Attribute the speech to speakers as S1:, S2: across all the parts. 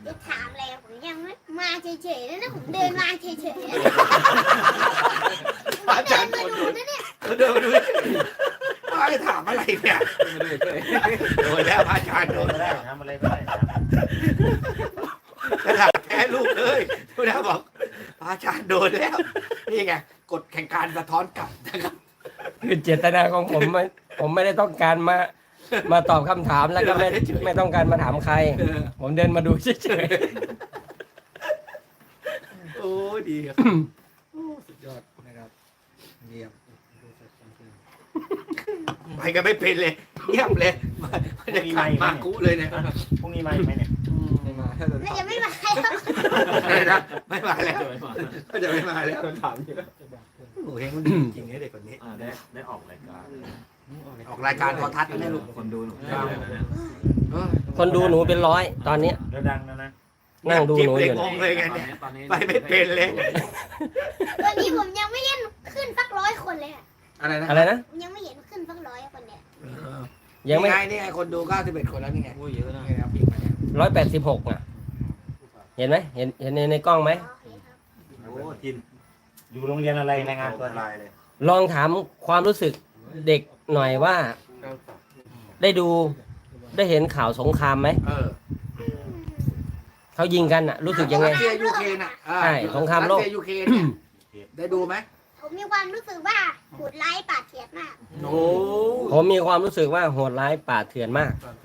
S1: จะถามอะไรผมยังไม่มาเฉยๆแล้วนะผมเดินมาเฉยๆ
S2: พระอาจารย์
S1: มาดูนะเนี่ย
S2: เขาเดินมาดูไอ้ถามอะไรเนี่ยโดนแล้วพระอาจารย์โดน
S3: ไม่ได้
S2: แล้ว
S3: ทำอะไรไม่ได้นะ
S2: จะถามแค่ลูกเลยทุกท่านบอกพระอาจารย์โดนแล้วนี่ไงกฎแข่งการสะท้อนกลับนะครับ
S4: คือเจตนาของผมไม่ได้ต้องการมาตอบคำถามแล้วก็ไม่ต้องการมาถามใคร ผมเดินมาดูเฉย
S2: โอ้ดีครับโอ้สุดยอดนะครับเยี่ยมไปกันไม่เป็นเลยเยี่ยมเลยมันจะขัดมากุเลยเนี่ย
S3: พรุ่งนี้มาอีกไหมเนี่ย
S1: น่าจะไม่มาแล้ว
S2: อะไรนะไม่มาแล้วก็จะไม่มาแล้ว
S3: ถามเยอะ
S2: โอ้เฮงมันดีจริงๆเด็กคนนี้
S3: ได้ออกรายการ
S2: ออกรายการโทรทัศน์นะลูก
S3: คนดูหนู
S4: ๆคนดูหนูเป็นร้อยตอนเนี้ย
S3: แล้วดังนะ
S4: นั่งดูหนูอยู่
S2: งงเลยไงเนี่ยไปไม่เป็นเลย
S1: ตอนนี้ผมยังไม่เห็นขึ้นสัก100 คนเลยอะ
S2: อะไรนะ
S4: อะไรนะ
S1: ผมยังไม่เห็นขึ้นสัก100 คนเนี่ย
S4: ยังไม่
S2: นี่ไงคนดู91 คนแล้วนี่ไง
S3: โอ้ยเยอะนะ
S2: นี่ครับพี่มาเนี่ย
S4: 186อ่ะ เห็นไหมเห็นในกล้องไหม
S1: โอเคครับ
S3: โอ้จินอยู่โรงเรียนอะไรรายงานตัวลายเลย
S4: ลองถามความรู้สึกเด็กหน่อยว่า ได้เห็นข่าวสงครามไหมเขายิงกันอ่ะ รู้สึกยังไง
S2: รัสเซียยูเครนอ่ะ
S4: ใช่สงครามโลก
S2: รัสเซียยูเครนเนี่ยได้ดูไหม
S1: ผมมีความรู้สึกว่าโหดร้ายป่าเถื่อนมาก
S2: โอ้
S4: ผมมีความรู้สึกว่าโหดร้ายป่าเถื่อนมาก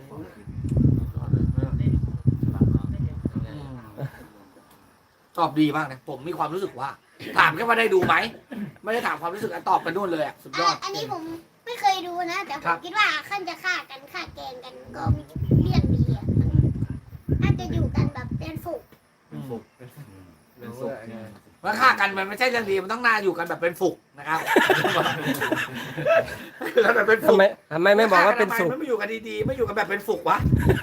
S2: ตอบดีมากนะผมมีความรู้สึกว่า ถามแค่ว่าได้ดูไหมไม่ได้ถามความรู้สึกตอบไปนู่นเลยอ่ะสุดยอด
S1: อันนี้ผมไม่เคยดูนะ แต่ผ
S2: ครั
S1: ม
S2: บ
S1: คิดว่าขั้นจะฆ่ากันฆ่าแกล้งกันก็มีเรื่องดีอ่ะน่าจะอยู่กันแบบเป็นฝูง
S2: ว่าฆ่ากันมันไม่ใช่เรื่องดีมันต้องน่าอยู่กันแบบเป็นฝูกนะครับแล้วแบบเป็น
S4: ทำ
S2: ฝูก
S4: ไมไม่บอกว่าเป็นสุข
S2: ไม่อยู่กันดีๆไม่อยู่กันแบบเป็นฝูกวะ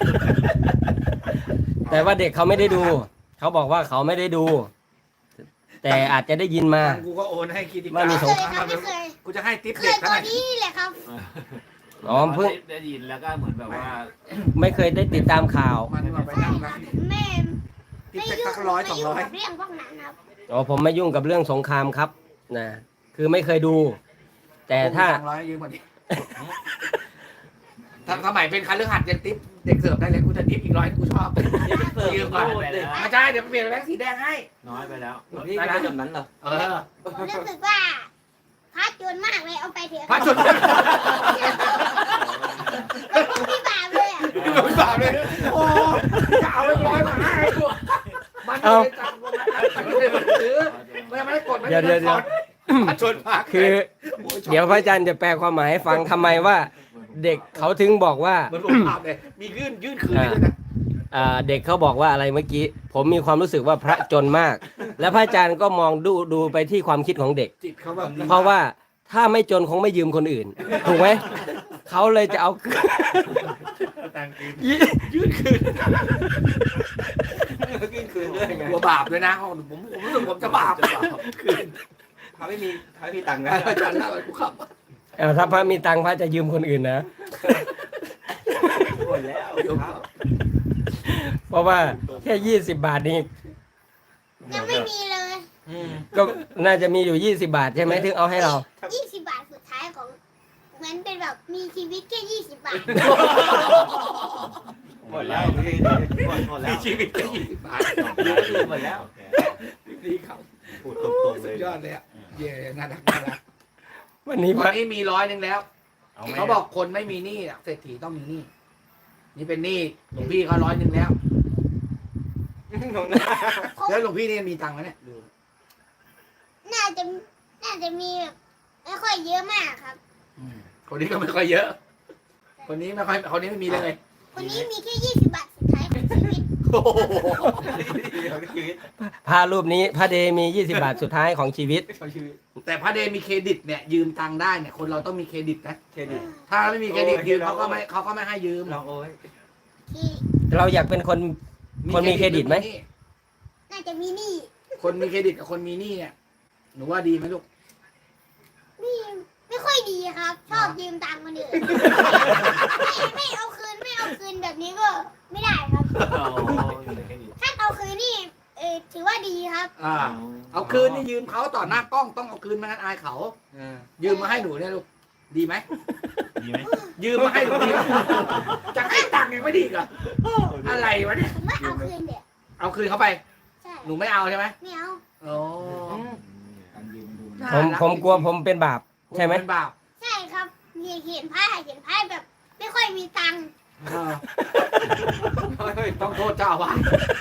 S4: แต่ว่าเด็กเขาไม่ได้ดู เขาบอกว่าเขาไม่ได้ดู แต่อาจจะได้ยินมา
S2: กูก็โอนให้คิดดีก
S4: ไม่
S2: ว่า
S4: มี
S1: เค
S4: สง
S1: ยครับไม่เคย
S2: กูจะให้ทิป
S1: เค
S2: เด็
S1: ย
S2: ก
S1: ต
S2: เท่า
S1: อ
S2: ไห
S1: น
S2: ร่
S1: นี้แหละครับ
S4: อ๋อเพิ่ง
S3: ได้ยินแล้วก็เหมือนแบบว่า
S4: ไม่เคยได้ติดตามข่าว
S2: มันมาไป
S1: ใช่
S2: นั่ง
S1: ค
S2: นะ
S1: รับแม่
S2: ทิป
S1: ไม่
S2: เด็ก
S1: ยุ่
S2: สั
S1: ง
S2: ก100
S1: ไม่ยุ่งกับ
S2: 200
S1: เรื่องพวกนั้นครับ
S4: อ๋อผมไม่ยุ่งกับเรื่องสงครามครับนะคือไม่เคยดู แต่ถ้า
S2: 200ยืมกว่านี้ถ้าสมัยเป็นคันเรื่องหัดยังทิปเด็กเสิร์ฟได้เลยกูจะทิปอีก100กูชอบยืมก่อนไม่ใช่เดี๋ยวเปลี่ยนแบงค์สีแดงให้
S3: น้อยไปแล้ว
S2: นี่ก็แบบนั้นเหรอ
S1: ผมรู้สึกว่าพระจนมากเลยเอาไปเถอะ
S2: พระชน
S1: พี่บาปเลยอ่ะ
S2: ไม่บาปเลยโอ้จะเอาไป100มาให้กูมันไม่ได้จับมันซื้อไม่ได้กดไม่ได้กดพระชนมาก
S4: คือ เดี๋ยวพระอาจารย์จะแปลความหมายให้ฟังทำไมว่า เด็กเขาถึงบอกว่า
S2: มันผมภาพเลยมียื่นคืนด้วยนะ
S4: เด็กเขาบอกว่าอะไรเมื่อกี้ ผมมีความรู้สึกว่าพระจนมาก และพระอาจารย์ก็มองดูไปที่ความคิดของเด็ก
S2: จิตเขาแบบ
S4: เพราะว่าถ้าไม่จนคงไม่ยืมคนอื่น ถูกไหม เขาเลยจะเอา
S2: ยื่นคืน
S3: ยื่นคืนด้วยไง
S2: กลัวบาปเลยนะผมรู้สึกผมจะบาปคืน
S3: เขาไม่มีตังค์นะ
S2: อาจารย์เล่าให้กูขับ
S4: ถ้าพระมีตังค์พระจะยืมคนอื่นนะ
S3: หมดแล้ว
S4: เพราะว่าแค่20 บาทนี่
S1: ยังไม่มีเลย
S4: ก็น่าจะมีอยู่20 บาทใช่ไหมถึงเอาให้เรา
S1: 20 บาทสุดท้ายของเหมือนเป็นแบบมีชีวิตแค่20 บาท
S3: หมดแล้วหมดแล้
S2: มี
S3: ว
S2: ชีวิตแค่20 บาท
S3: หมดแล้ว
S2: ดีครับ
S3: พูดตรงๆเล
S2: สุ
S3: ย
S2: ดยอดเลยอ่ะเย่น่ารักน่ารัก
S4: วันนี้พ
S2: วัน
S4: ระ
S2: นี้มี100แล้วเขาบอกคนไม่มีหนี้เศรษฐีต้องมีหนี้นี่เป็นหนี้หลวงพี่เขา100แล้วแล้วหลวงพี่นี่มีตังค์ไหมเนี่ย
S1: น่าจะมีแบบไม่ค่อยเยอะมากครับ
S2: คนนี้ก็ไม่ค่อยเยอะ คนนี้ไม่ค่อยคนนี้ไม่มีเลย
S1: คนนี้มีแค่20 บาทสุดท้ายของชีวิต
S2: โอ้โห
S4: พระรูปนี้พระเดมี20 บาทสุดท้ายของชีวิต
S2: แต่พระเดมีเครดิตเนี่ยยืมตังค์ได้เนี่ยคนเราต้องมีเครดิตนะ
S3: เครดิต
S2: ถ้าไม่มีเครดิตยืมเขาก็ไม่ให้ยืม
S3: ลองโอ้ย
S1: ที่
S4: เราอยากเป็นคนมีเครดิตไหม
S1: น่าจะมีหนี้
S2: คนมีเครดิตกับคนมีหนี้เนี่ยหนูว่าดีไหมลูก
S1: ไม่ค่อยดีครับ ชอบยืมตังค์คนอื่นไม่เอาคืนแบบนี้ก็ไม่ได้ครับ
S3: เครดิต
S1: ถ้าตว่าดีครับ
S2: เอาคืนนี่ยืมเขาต่อหน้ากล้องต้องเอาคืนไม่งั้นอายเขายืมมาให้หนูเนี่ยลูกดีไหม
S3: ดีไหม
S2: ยืมมาให้หนูดีไหมจะให้ตังค์ยังไม่ดีอีกเหรออะไรวะเนี่ย
S1: ผมว่าเอาคืนเด็ด
S2: เอาคืนเขาไป
S1: ใช่
S2: หนูไม่เอาใช่ไหม
S1: ไม่เอา
S2: โอ้
S4: ผมกลัวผมเป็นบาป ใช่ไหม
S2: เป็นบาป
S1: ใช่ครับเห็นไพ่แบบ ไม่ค่อยมีตังค์
S2: เฮ้ยต้องโทษเจ้าอาว่าส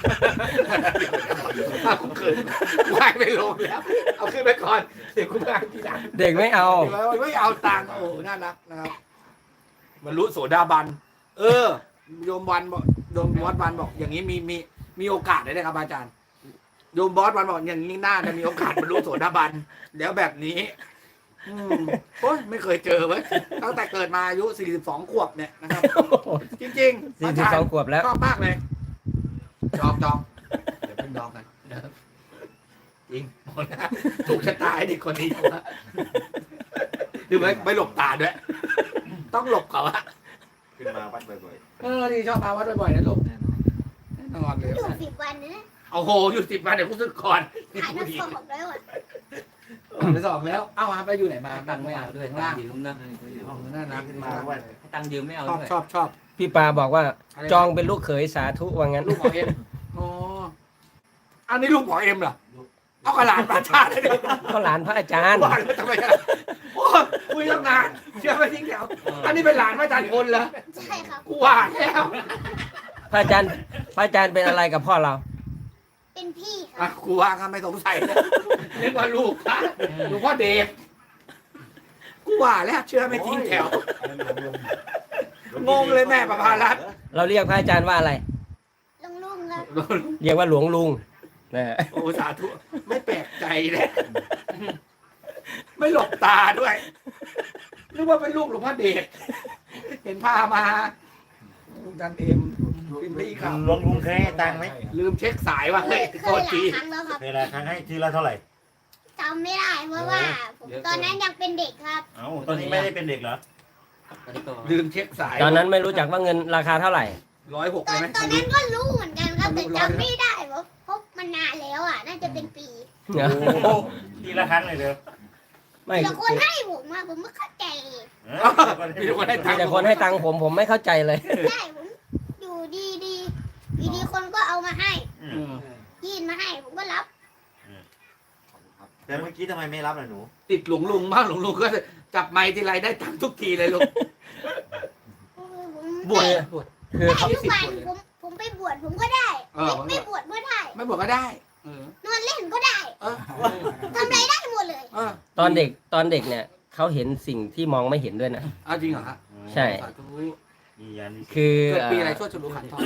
S2: เอาคืนไหวไม่ลงแล้วเอาคืนไปก่อนเดี๋ยวคุณไปทีหลัง
S4: เด็กไม่เอา
S2: ไม่เอาตังค์โอ้น่ารักนะครับบรรลุโสดาบันโยมวันบอกโยมวัดวันบอก อย่างนี้มีโอกาสได้ครับอาจารย์โยมบอสวันบอกอย่างนี้น่าจะมีโอกาสบรรลุโสดาบันแล้วแบบนี้โอ้ยไม่เคยเจอเว้ยตั้งแต่เกิดมาอายุ42ขวบเนี่ยนะครับจริงๆอาจารย์
S4: 42 ขวบแล้ว
S2: ชอบมากเลยจองเดี๋ยวเป็นดองกันจริงหมดนะถูกชะตาไอ้เด็กคนนี้ดูไหมไม่หลบตาด้วย ต้องหลบเขาอะ
S3: ขึ้นมาวัดบ่อย
S2: ที่ชอบมาวัดบ่อยๆนะลูกแน่นอนเลย
S1: อยู่10 วันนะ
S2: โอ้โหอยู่10 วันเดี๋ยวกูสึกก่อน
S1: ถ่ายน้ำสอบแล้วอ่ะ
S2: ไปสอบแล้วเอ้าไปอยู่ไหนมาตังค์ไม่เอาด้วยข้างล่าง
S5: ยืมนะ
S2: น่ารัก
S3: ๆขึ้นมาวัด
S5: ตังค์ยืมไม่เอา
S2: ชอบ
S5: ด้วย
S2: ชอบ
S4: พี่ปาบอกว่า จองเป็นลูกเขยสาธุว่างั้น
S2: ลูกหมอเอ็มอ๋ออันนี้ลูกหมอเอ็มเหรอเอากระหลานประชาติเลย
S4: ก็หลานพระอาจารย์
S2: บ้านแล้วทำไมอะโอ้คุยตั้งนานเชื่อไหมทิ้งแถวอันนี้เป็นหลานพระอาจารย์พลเหรอ
S1: ใช่ครับ
S2: กูว่าแล้ว
S4: พระอาจารย์เป็นอะไรกับพ่อเรา
S1: เป็นพี่ค
S2: อ่ะ
S1: รับ
S2: กูว่าก็ไม่สงสัยเลยนึกว่าลูกนะลูกพ่อเดฟกูว่าแล้วเชื่อไม่ทิ้งแถว งงเลยแม่ประภารัตน์
S4: เราเรียกพระอาจารย์ว่าอะไร
S1: ลุงครับ
S4: เรียกว่าหลวงลุงนะ
S2: โอ้สาธุไม่แปลกใจเลยไม่หลบตาด้วยนึกว่าเป็นลูกหลวงพ่อเดชเห็นพามาดันเอ็มเป็นพี่ครับ
S3: หลวงลุงเคยให้ตังค์ไหม
S2: ลืมเช็คสายว่า
S1: เค
S2: เฮ้ย
S1: ย
S2: โทษ
S1: หลา
S2: ที
S1: ยครั้งแล้วครับ
S3: เคยละครั้งให้ทีละเท่าไหร่
S1: จำไม่ได้เพราะว่าผมตอนนั้นยังเป็นเด็กครับ
S3: เอ้าตอนนี้ไม่ได้เป็นเด็กเหรอ
S5: ตอนนี้ก็
S2: ลืมเช็คสาย
S4: ตอนนั้นไม่รู้จักว่าเงินราคาเท่าไหร่
S2: 106
S1: ตอ
S2: เลย
S1: น
S2: ไหม
S1: ตอนนั้นก็รู้เหมือนกันครับแต่จำไม่ได้เพราะมันนานแล้วอ่ะน่าจะเป็นปี
S2: โอ้
S3: ทีละครั้งเลยเด้อ
S4: ไม่
S1: แต่คนให้ผมอะผมไม่เข้าใจ
S2: มีคนให้ตั
S4: มี
S2: งค์
S4: แต่คนให้ตังค์ผมไม่เข้าใจเลย
S1: ใช่ผมอยู่ดีคนก็เอามาให้
S2: อืม
S1: ยื่นมาให้ผมก็รับ
S3: แต่เมื่อกี้ทำไมไม่รับล่ะหนู
S2: ติดหลวงลุงบ้างหลวงลุงก็จับไม้ทีไรได้ตังค์ทุกทีเลยลูก
S1: ผม
S2: บวช
S1: ได้
S2: บวช
S4: คือ
S1: ได้
S4: เขา
S1: ทุกวันผมไปบวชผมก็ได้ ไม่บวชก็ได้
S2: ไม่บวชก็ได้
S1: นอนเล่นก็ได้
S2: เออ
S1: ทำอะไรได้หมดเลย
S2: เออ
S4: ตอนเด็กเนี่ยเขาเห็นสิ่งที่มองไม่เห็นด้วยนะ
S2: เอาจริงเหรอฮะ
S4: ใช่
S2: สาธุ
S3: มียัน
S4: คือ
S2: เกิดปีอะไรช่วยฉลูขันทอง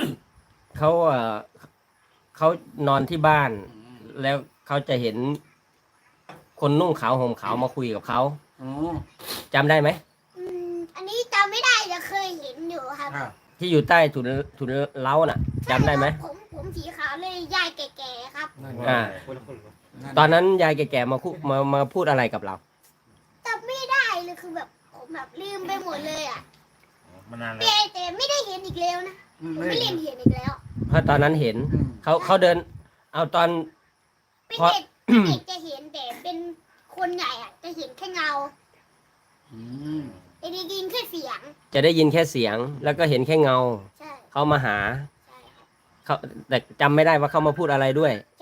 S4: เขานอนที่บ้าน แล้วเขาจะเห็นคนนุ่งขาวห่มขาวมาคุยกับเขา
S2: อ๋อ
S4: จำได้ไหม
S1: อันนี้จำไม่ได้แต่เคยเห็นอยู่ครับ
S2: อ่ะ
S4: ที่อยู่ใต้ถุนเล้าน่ะจำได้ไหม
S1: ผมสีขาวเลยยายแก่ๆครับ
S4: อ่า ตอนนั้นยายแก่ๆมาพูดอะไรกับเรา
S1: จำไม่ได้เลยคือแบบผมแบบลืมไปหมดเลยอ่ะ
S3: มานานแล้ว
S1: แต่ไม่ได้เห็นอีกแล้วนะผมไม่เล่นเห็นอีกแล้ว
S4: เพราะตอนนั้นเห็นเขาเดิน เอาตอน
S1: เป็น
S4: เพราะ
S1: เด็กจะเห็นแต่เป็นคนใหญ่อ่ะจะเห็นแค่เงา
S2: อืม
S1: แต่ได้ยินแค่เสียง
S4: จะได้ยินแค่เสียง แล้วก็เห็นแค่เงา
S1: ใช่
S4: เขามาหา
S1: ใช่ครับ
S4: เขาแต่จำไม่ได้ว่าเขามาพูดอะไรด้วย
S1: ใ